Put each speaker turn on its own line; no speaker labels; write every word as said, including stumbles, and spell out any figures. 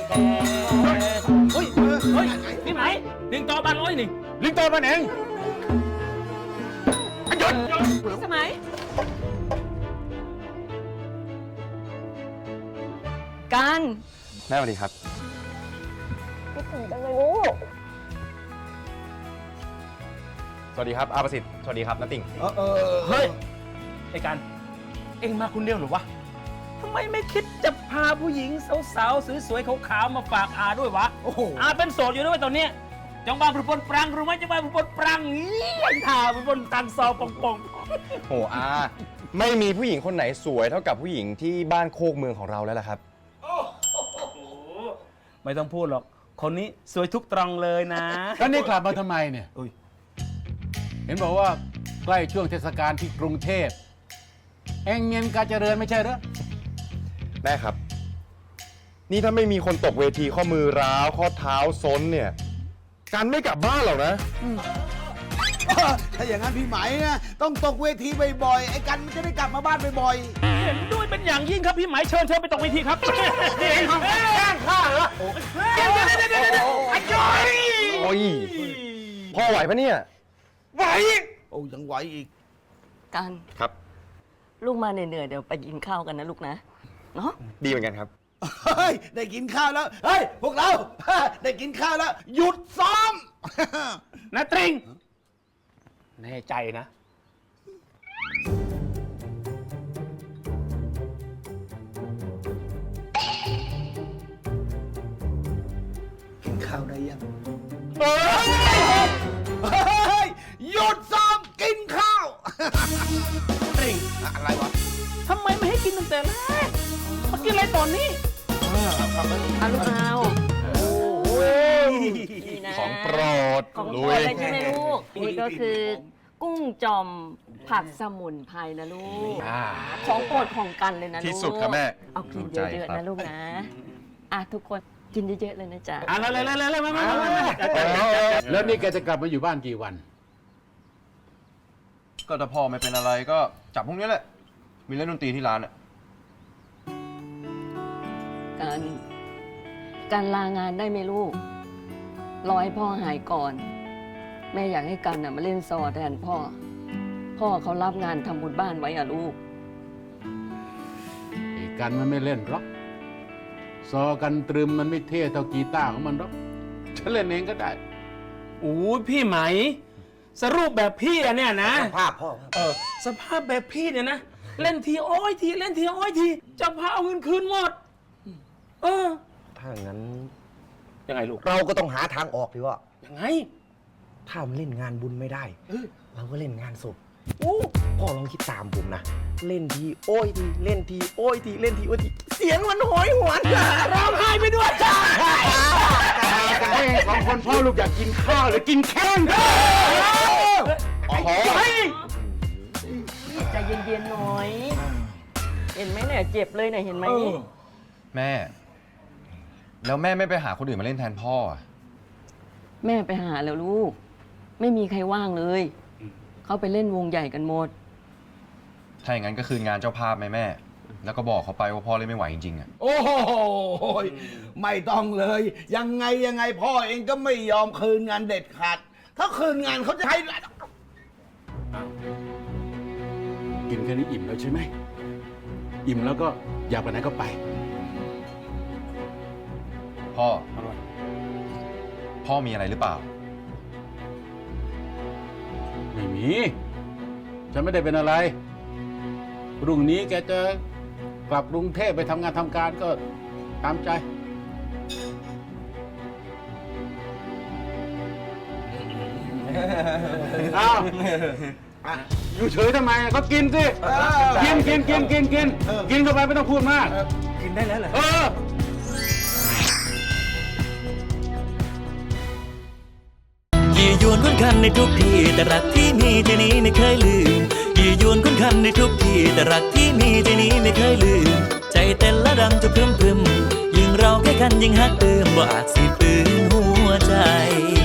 เฮ้ยเฮ้ยนี่ไหมลิงโตบ้านร้อยนี่ลิงโตบ้านเองหยุด
สมัยกัน
แม่สวัสดีครับ
คิดถึงจังเลยลูก
สวัสดีครับอาประสิทธิ์สวัสดีครับน้าติ่ง
เออเออเฮ้ยไอ้กันเอ็งมาคนเดียวหรือวะทำไมไม่คิดจะพาผู้หญิงสาวๆสวยๆขาวๆมาฝากอาด้วยวะโอ้โหอาเป็นโสดอยู่ด้วยตอนเนี้ยจังบ้านผู้ปนปรังรู้ไหมจังบ้านผู้ปนปรังนี่ท่าผู้ปนตังซอปองปอง
โอ้อาไม่มีผู้หญิงคนไหนสวยเท่ากับผู้หญิงที่บ้านโคกเมืองของเราแล้วล่ะครับ
ไม่ต้องพูดหรอกคนนี้สวยทุกตรองเลยนะ
แล้วนี่กลับมาทำไมเนี่ยเห็นบอกว่าใกล้ช่วงเทศกาลที่กรุงเทพแองเงินการเจริญไม่ใช่เหรอ
แม่ครับนี่ถ้าไม่มีคนตกเวทีข้อมือร้าวข้อเท้าซ้นเนี่ยการไม่กลับบ้านหรอกนะ
ถ้าอย่างนั้นพี่ไหมนะต้องตกเวทีบ่อยๆไอ้กันมันจะได้กลับมาบ้านบ่อย
ๆเห็นด้วยเป็นอย่างยิ่งครับพี่ไหมเชิญเชิญไปตกเวทีครับนี่ทำแกล้งข้าเหรอเดี๋ยวเดี๋ยวเดี๋ยวเดี๋ยวไอ้จอย
โอ้ยพ่อไหวปะเนี่ย
ไหว
โอ้ยังไหวอีก
กัน
ครับ
ลูกมาเหนื่อยๆเดี๋ยวไปกินข้าวกันนะลูกนะเนาะ
ดีเหมือนกันครับ
เฮ้ยได้กินข้าวแล้วเฮ้ยพวกเราได้กินข้าวแล้วหยุดซ้อม
นะตริงแน่ใจนะ
กินข้าวได้ยังเฮ้ยหยุดซ้อมกินข้าว
ตริง
อะไรวะ
ทำไมไม่ให้กินตั้งแต่แรกมากินอะไรตอนนี้
เอาลูกเอา
ของโปรด
ของโปรดเลยใช่ไหมลูกนี่ก็คือกุ้งจอมผัดสมุนไพรนะลูกของโปรดของกันเลยนะลูก
ที่สุดครับแม่
เอากินเยอะๆนะลูกนะอ่ะทุกคนกินเยอะๆเลยนะจ๊ะ
อ่ะเลยเลยเลยเลยมามา
แล้วนี่แกจะกลับมาอยู่บ้านกี่วัน
ก็ถ้าพ่อไม่เป็นอะไรก็จับพวกนี้แหละมีเล่นดนตรีที่ร้านอ่ะ
การการลางานได้ไหมลูกรอให้พ่อหายก่อนแม่อยากให้กันน่ะมาเล่นซอแทนพ่อพ่อเขารับงานทำบุญบ้านไว้อะลูก
ไอ้กันมันไม่เล่นหรอกซอกันตรึมมันไม่เท่เท่ากีตาร์ของมันหรอกฉันเล่นเองก็ได้
โอ้พี่ไหมสรุปแบบพี่อะเนี่ยนะ
สภาพพ่อ
เออสภาพแบบพี่เนี่ยนะเล่นทีอ้อยทีเล่นทีอ้อยทีจะพาเอาเงินคืนหมดเออ
ถ้าอย่างนั้น
ยังไงลูก
เราก็ต้องหาทางออกดีว่า
ยังไง
ถ้ามันเล่นงานบุญไม่ได้เราก็เล่นงานศพ
โอ้
พ่อลองคิดตามผมนะเล่นทีโอ้ยทีเล่นทีโอ้ยทีเล่นทีโอ้ยทีเสียงมันโหยหวน
ร้องไห้ไปด้วยจ้า
สองคนพ่อลูกอยากกินข้าวหรือกินแข้ง
โอ้โห
ใจเย็นๆหน่อยเห็นไหมเนี่ยเจ็บเลยเนี่ยเห็นไหม
แม่แล้วแม่ไม่ไปหาคนอื่นมาเล่นแทนพ่ออ่ะ
แม่ไปหาแล้วลูกไม่มีใครว่างเลยเขาไปเล่นวงใหญ่กันหมด
ถ้าอย่างนั้นก็คืนงานเจ้าภาพไหมแม่แล้วก็บอกเขาไปว่าพ่อเล่นไม่ไหวจริงๆอ่ะ
โอ้โหไม่ต้องเลยยังไงยังไงพ่อเองก็ไม่ยอมคืนงานเด็ดขาดถ้าคืนงานเขาจะให้
กินแค่นี้อิ่มแล้วใช่ไหมอิ่มแล้วก็อยากไปไหนก็ไป
พ่อพ่อมีอะไรหรือเปล่า
ไม่มีฉันไม่ได้เป็นอะไรรุ่งนี้แกจะกลับกรุงเทพไปทำงานทำการก็ตามใจอ้าวอยู่เฉยทำไมก็กินสิกินกินกินกินกินกินเข้าไปไม่ต้องพูดมาก
กินได้แล้วเหรอ
เออ
ยี่ยวนคุ้นคันในทุกที่แต่รักที่มีที่นี้ไม่เคยลืมยี่ยวนคุ้นคันในทุกที่แต่รักที่มีที่นี้ไม่เคยลืมใจเต้นและดังจะพรึมพรึมยิ่งเราใกล้กันยิ่งฮักเติมบ่อาจสิปืนหัวใจ